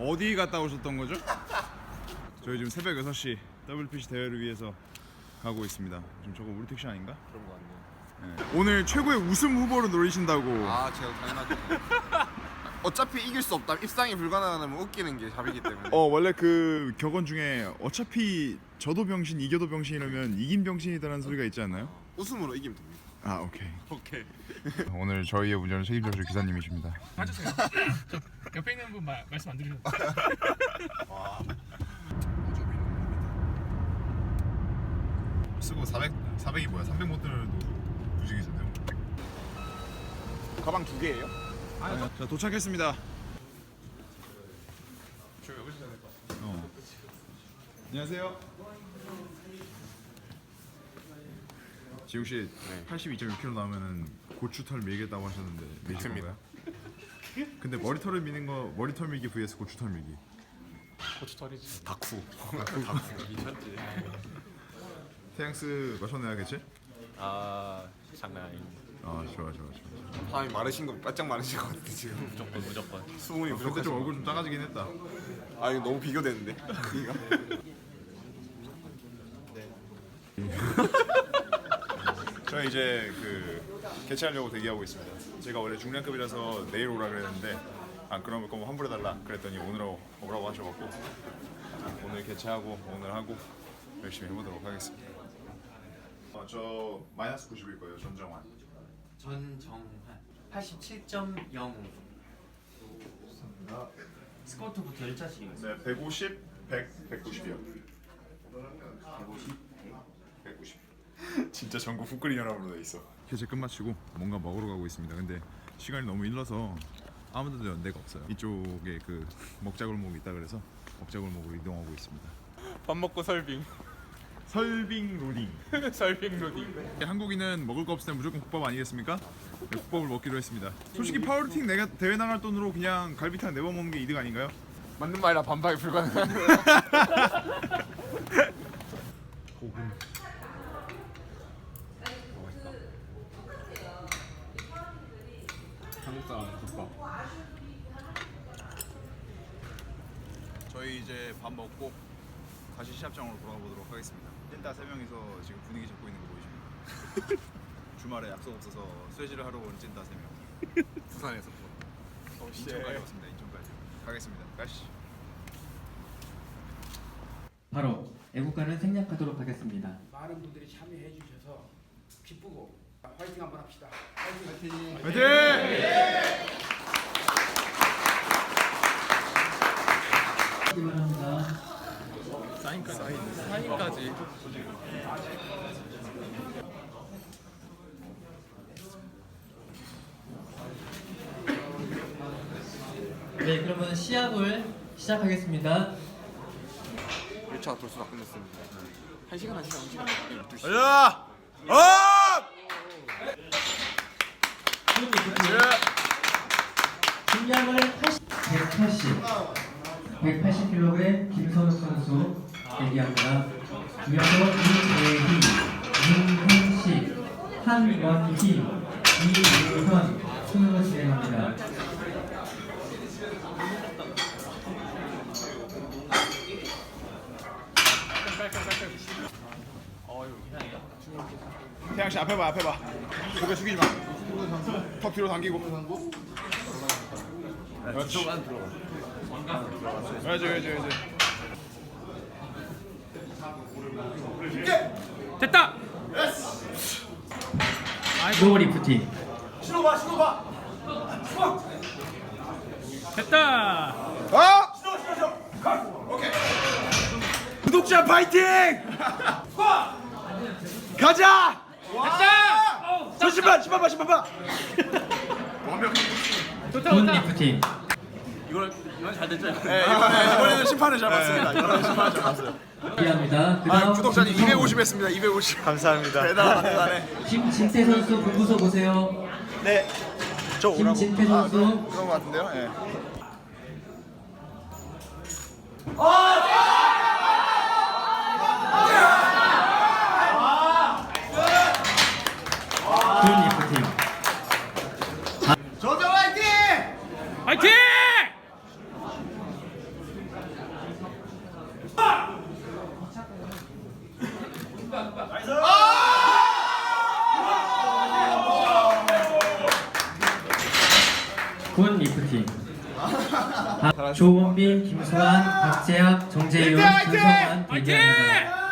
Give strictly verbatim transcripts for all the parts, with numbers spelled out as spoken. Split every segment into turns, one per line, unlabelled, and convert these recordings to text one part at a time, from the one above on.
어디 갔다 오셨던 거죠? 저희 지금 새벽 여섯 시 더블유피씨 대회를 위해서 가고 있습니다. 지금 저거 우리 택시 아닌가?
그런 거 같네요.
네. 오늘 최고의 우승 후보로 노리신다고.
아 제가 당연하죠. 어차피 이길 수 없다. 입상이 불가능하면 웃기는 게 답이기 때문에.
어 원래 그 격언 중에 어차피 져도 병신 이겨도 병신 이러면 이긴 병신이다라는 소리가 있지 않나요?
웃음으로 이기면 됩니다.
아 오케이.
오케이.
오늘 저희의 운전을 책임져줄 기사님이십니다.
봐주세요. 저 옆에 있는 분 말, 말씀 안 드리셨나요?
와.
쓰고 사백 사백이 뭐야? 삼백 모델도 무지개잖아요.
가방 두 개예요?
아, 자 도착했습니다.
저 여기서 해야 될것 같아요.
어. 안녕하세요. 지웅 씨
네.
팔십이 점 육 킬로그램 나오면은 고추털 밀겠다고 하셨는데 밀실
맞습니다.
건가요? 근데 머리털을 미는 거 머리털 밀기 vs 고추털 밀기.
고추털이지.
다쿠.
다쿠.
미쳤지.
태양스 마셔내야겠지?
아 장난 아닙니다.
아 좋아 좋아 좋아.
밤이 마르신 거 바짝 마르신 것 같아 지금.
무조건 무조건.
수분이
아, 근데
부족해서.
좀 얼굴 좀 작아지긴 했다.
아 이거 너무 비교되는데. 크기가.
저희 이제 그 개최하려고 대기하고 있습니다. 제가 원래 중량급이라서 내일 오라 그랬는데 안 그러면 거면 환불해달라 그랬더니 오늘 오라고 하셔갖고 오늘 개최하고 오늘 하고 열심히 해보도록 하겠습니다. 어, 저 마이너스 구십일 거예요. 전정환.
전정환 팔십칠 점 영오. 스쿼트부터 일 차씩.
네, 백오십, 백, 백구십이요.
백오십,
백구십. 진짜 전국 풋그린 연합으로 돼 있어. 개최 끝마치고 뭔가 먹으러 가고 있습니다. 근데 시간이 너무 일러서 아무데도 연대가 없어요. 이쪽에 그 먹자골목이 있다 그래서 먹자골목으로 이동하고 있습니다.
밥 먹고 설빙.
설빙 로딩.
설빙 로딩.
한국인은 먹을 거 없을 때 무조건 국밥 아니겠습니까? 네, 국밥을 먹기로 했습니다. 솔직히 파워리팅 내가 대회 나갈 돈으로 그냥 갈비탕 네 번 먹는 게 이득 아닌가요?
맞는 말이라 반박이 불가능한.
한국 사람 국밥.
저희 이제 밥 먹고 다시 시합장으로 돌아가 보도록 하겠습니다. 찐따 세 명이서 지금 분위기 잡고 있는 거 보이십니까? 주말에 약속 없어서 쇠질을 하러 온 찐따 세 명.
부산에서.
인천까지 왔습니다. 인천까지. 가겠습니다. 가시죠.
바로 애국가를 생략하도록 하겠습니다.
많은 분들이 참여해 주셔서 기쁘고 화이팅 한번 합시다. 화이팅!
화이팅!
기원합니다.
사인까지. 사인까지.
네, 그러면 시합을 시작하겠습니다.
일 차 돌수 다 끝냈습니다. 한 시간 한 시간 한 시간. 열두 시.
가자! 업!
중량을 백팔십, 백팔십 킬로그램 김선욱 선수 대기합니다. 이어서 이재희, 윤hen식, 한원희, 이유현 순으로 진행합니다.
태양 씨 앞에 봐, 앞에 봐. 고개 숙이지 마. 턱 뒤로 당기고. 그렇지. 그렇지, 그렇지, 그렇지.
됐다.
노 리프팅.
됐다.
어? 구독자 파이팅! 가자!
됐다.
저 신발, 신발 봐, 신발 봐. 완벽.
좋다
돈
좋다.
리프팅.
네, 이번에, 이번에는 심판을 잡았습니다. 이번에는 심판을 잡았어요.
기합니다.
아,
그다음
구독자님 이백오십 했습니다. 이백오십. 감사합니다. 대단하네, 대단해.
김진태 선수 분부서 보세요.
네. 저 오라고.
김진태
아,
선수.
그런, 그런 거 같은데요? 예.
돈 리프팅.
저저 화이팅!
화이팅!
아, 조원빈, 김수환, 박재학, 정재윤, 김성환 대기합니다.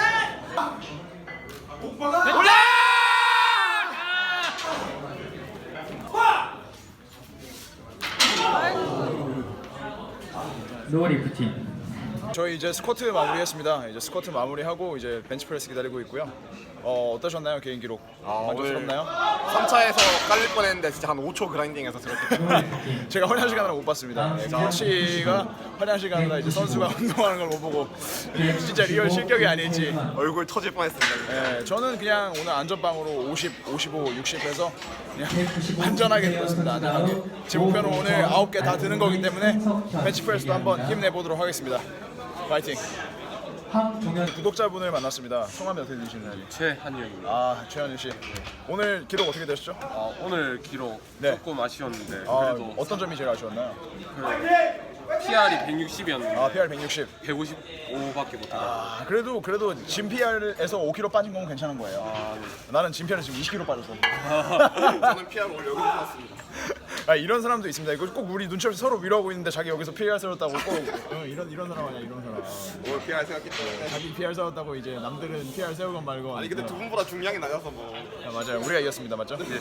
노리프팅.
저희 이제 스쿼트 마무리했습니다. 이제 스쿼트 마무리하고 이제 벤치프레스 기다리고 있고요. 어, 어떠셨나요 개인 기록? 만족스럽나요?
삼 차에서 깔릴 뻔했는데 진짜 한 오 초 그라인딩해서 들었거든요.
제가 활약 시간을 못 봤습니다. 네, 코치가 활약 시간보다 이제 선수가 운동하는 걸 못 보고 진짜 리얼 실격이 아닐지.
얼굴 터질 뻔했습니다.
네, 저는 그냥 오늘 안전빵으로 오십, 오십오, 육십 해서 그냥 안전하게 들었습니다. 안전하게. 제 목표는 오늘 아홉 개 다 드는 거기 때문에 벤치프레스도 한번 힘내보도록 하겠습니다. 파이팅!
황종현
구독자분을 만났습니다. 성함이 어떻게 되시나요?
최한영입니다.
아, 최현일 씨. 오늘 기록 어떻게 되셨죠?
어, 오늘 기록
네.
조금 아쉬웠는데
아,
그래도
어떤 점이 제일 아쉬웠나요?
피알이 백육십이었는데
아, 피알 백육십.
백오십오밖에 못해가지고.
아, 그래도 그래도 진 피알에서 오 킬로그램 빠진 건 괜찮은 거예요.
아, 네.
나는 진 피알에 지금 이십 킬로그램 빠졌어.
저는 피하고 오늘 여기서 샀습니다.
아, 이런 사람도 있습니다. 이거 꼭 우리 눈치 없이 서로 위로하고 있는데 자기 여기서 피알 세웠다고 꼭 어, 이런 이런 사람 아니야 이런 사람.
오늘 피할 생각했기 때문에.
자기 피알 세웠다고 이제 남들은 피알 세우건 말건.
아니 근데 두 분보다 중량이 낮아서 뭐.
아, 맞아요. 우리가 이겼습니다. 맞죠? 네.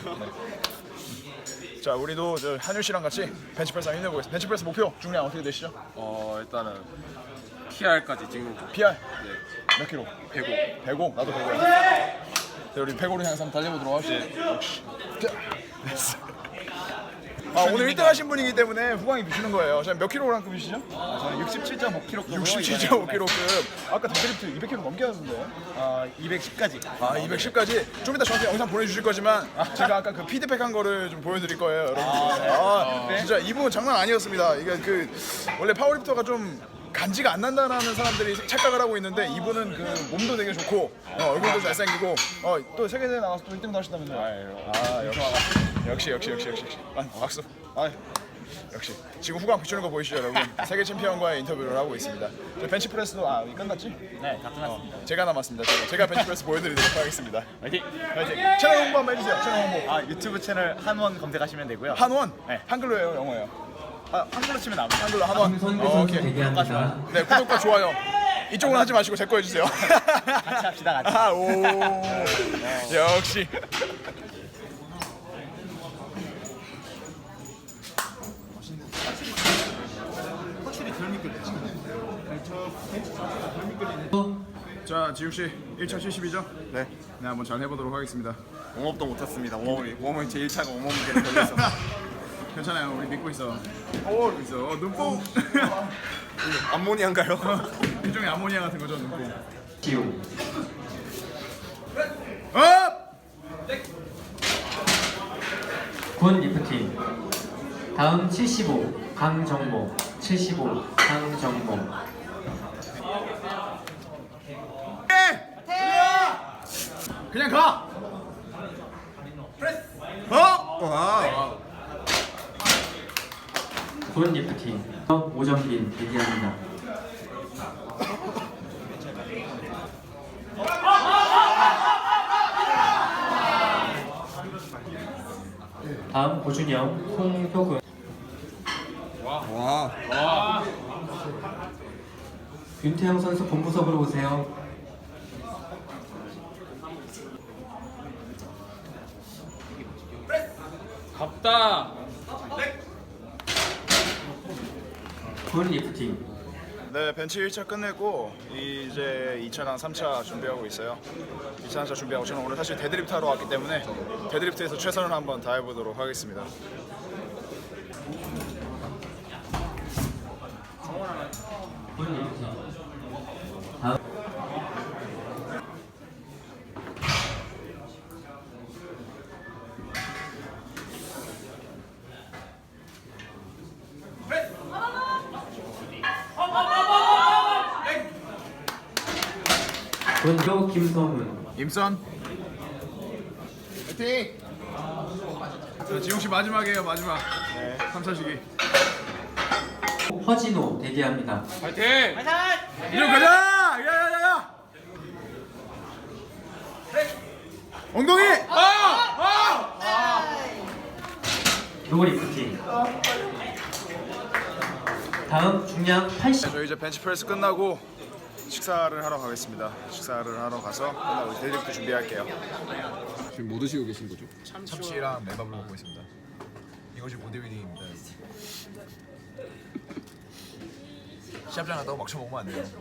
자, 우리도 저 한율 씨랑 같이 벤치프레스 한번 힘내보겠습니다. 벤치프레스 목표 중량 어떻게 되시죠?
어 일단은 피알까지 찍는 거.
피알
네.
몇 킬로?
백오.
백오. 나도 백오야. 자, 우리 백오를 향해서 한번 달려보도록 합시다. 역시. 자, 됐어. 아, 오늘 일 등 하신 분이기 때문에 후광이 비추는 거예요. 자, 몇 킬로그램급이시죠?
아, 저는 육십칠 점 오 킬로그램.
육십칠 점 오 킬로그램. 아까 데드리프트 이백 킬로그램 넘게 하던데.
아, 이백십까지.
아, 이백십까지. 좀 이따 저한테 영상 보내주실 거지만 제가 아까 그 피드백한 거를 좀 보여드릴 거예요, 여러분. 아, 진짜 이분 장난 아니었습니다. 이게 그 원래 파워리프터가 좀 간지가 안 난다라는 사람들이 착각을 하고 있는데 이분은 그 몸도 되게 좋고 어, 얼굴도 잘생기고 어, 또 세계대회 나가서 또 일 등도 하셨다면서요. 아, 역시 역시 역시 역시 역시 역시. 아, 박수. 아, 역시 지금 후광 비추는 거 보이시죠, 여러분? 세계 챔피언과의 인터뷰를 하고 있습니다. 저 벤치프레스도 아 끝났지?
네, 다 끝났습니다.
어, 제가 남았습니다. 제가, 제가 벤치프레스 보여드리도록 하겠습니다.
화이팅!
파이팅! 채널 홍보 한번 해주세요. 채널 홍보.
아, 유튜브 채널 한원 검색하시면 되고요.
한원?
네.
한글로예요, 영어예요?
아, 한글로 치면 나옵니다.
한글로 한원.
김선규
어,
선수
오케이.
대기합니다.
네, 구독과 좋아요. 이쪽은 하지 마시고 제 거 해주세요.
같이 합시다, 같이.
아, 오. 역시. 자, 지욱 씨 일 차 칠십이죠?
네.
네, 한번 잘 해보도록 하겠습니다.
웜업도 못했습니다. 웜업이 웜업이 제 일 차가 웜업 문제를 걸려서.
괜찮아요, 우리 믿고 있어. 오, 믿고 있어. 어, 눈뽕.
암모니아인가요?
일종의 암모니아 같은 거죠, 눈뽕.
지우.
업!
군 리프팅. 다음 칠십오 강정모. 칠십오 강정모.
그냥 가. 어? 와.
군 리프팅. 오정빈 대기합니다. 다음 고준영, 홍효근.
와.
윤태영 선수 본부석으로 오세요.
갑다.
군 리프팅.
네, 벤치 일 차 끝냈고 이제 이 차랑 삼 차 준비하고 있어요. 이 차, 삼 차 준비하고 저는 오늘 사실 데드리프트 하러 왔기 때문에 데드리프트에서 최선을 한번 다해보도록 하겠습니다.
군 리프팅. 다음 군교 김성훈.
임선. 화이팅! 자, 지웅 씨 마지막이에요, 마지막. 네, 삼 차 시기.
허진호 대기합니다.
파이팅!
이쪽 가자! 야야야야! 엉덩이!
노리프팅. 다음 중량 팔십.
저희 이제 벤치프레스 끝나고 식사를 하러 가겠습니다. 식사를 하러 가서 끝나고 데드리프트 준비할게요.
지금 뭐 드시고 계신 거죠?
참치랑 매밥을 먹고 있습니다. 이것이 보디빌딩입니다. 시합장 갔다고 막 쳐먹으면 안 돼요.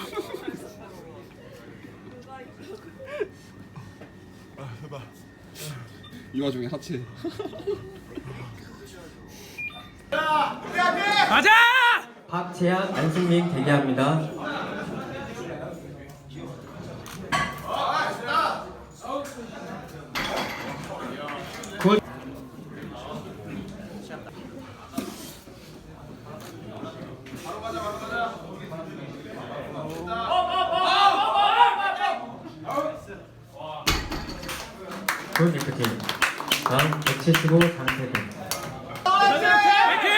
이 와중에 하체.
가자!
박재현, 안승민 대기합니다. 굿. 굿 리프팅. 다음 백칠십오 장태근.
화이팅!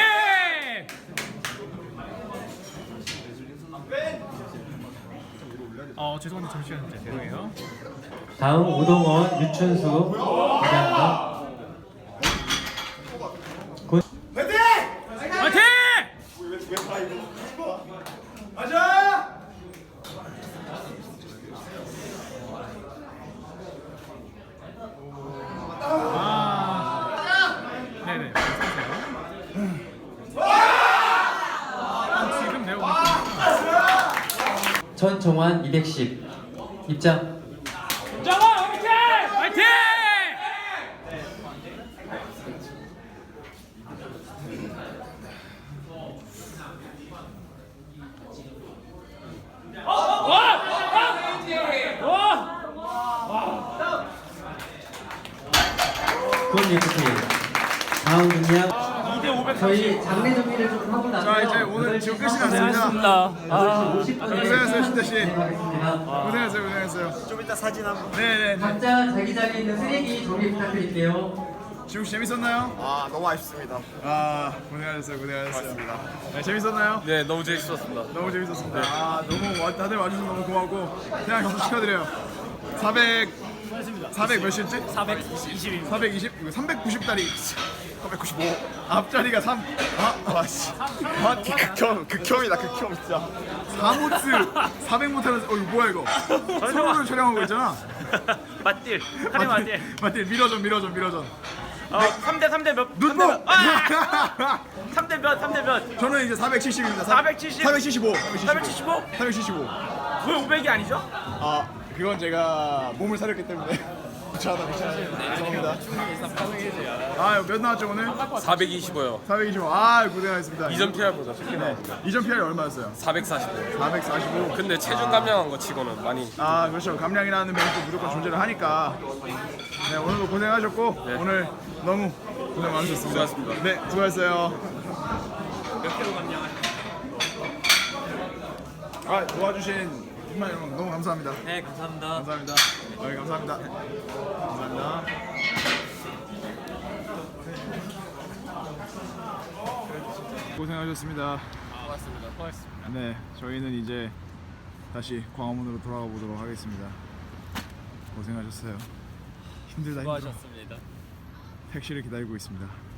어 죄송한데 잠시만요. 죄송해요.
다음 우동원, 유춘수 대기합니다. 굿.
화이팅! 아, 네네. 지금 내가
전종환 이백십 입장.
정원 화이팅! 화이팅!
굿 리프팅. 다음 중량 저희 장례 정리를 좀 하고 나서
자, 이제 오늘 지금 끝이 났습니다.
오십 분에
고생하셨어요, 신태 씨.
진행하겠습니다.
고생했어요, 고생했어요.
좀 이따 사진 한번.
네네.
각자 자기 자리에 있는 쓰레기 정리 부탁드릴게요.
지금 재밌었나요?
아 너무 아쉽습니다.
아 고생하셨어요, 고생하셨어요. 네, 재밌었나요?
네, 너무 재밌었습니다.
너무 재밌었습니다. 아 너무 와, 다들 와주셔서 너무 고맙고 그냥 박수 축하드려요. 사백 사백 몇이었지?
사백이십.
사백이십? 이거 삼백구십 다리. 삼백구십오. 앞자리가 삼. 아, 와씨.
아 극혐 극혐이다 극혐 진짜.
사 모트 사백 모트는 어 이거 뭐야 이거? 서로를 촬영하고 있잖아.
맞딜. 한해 맞딜.
맞지? 밀어전 밀어전 밀어전.
어, 삼 대 삼 대 몇?
눈뽕.
삼 대 몇? 삼 대 몇?
저는 이제 사백칠십입니다.
사백칠십?
사백칠십오.
사백칠십오?
사백칠십오.
왜 오백이 아니죠?
아 그건 제가 몸을 사렸기 때문에. 괜찮아 괜찮아. 죄송합니다. 아몇 나왔죠 오늘?
사백이십오요.
사백이십오. 아 고생하셨습니다.
이전 피알보다 쉽게
네.
나왔습니다.
이전 피알이 얼마였어요?
사백사십오.
사백사십오.
근데 체중 감량한 거 치고는 많이.
아 그렇죠. 감량이라는 면도 무조건 존재를 하니까. 네 오늘도 고생하셨고
네.
오늘 너무 고생 많으셨습니다.
수고하셨습니다.
네 수고하셨어요.
몇 킬로 감량하셨어요?
아 도와주신 정말 여러분 너무 감사합니다.
네, 감사합니다.
감사합니다. 네, 감사합니다. 감사합니다. 고생하셨습니다.
고맙습니다. 고맙습니다.
네, 저희는 이제 다시 광화문으로 돌아가 보도록 하겠습니다. 고생하셨어요. 힘들다 힘들어.
수고하셨습니다.
택시를 기다리고 있습니다.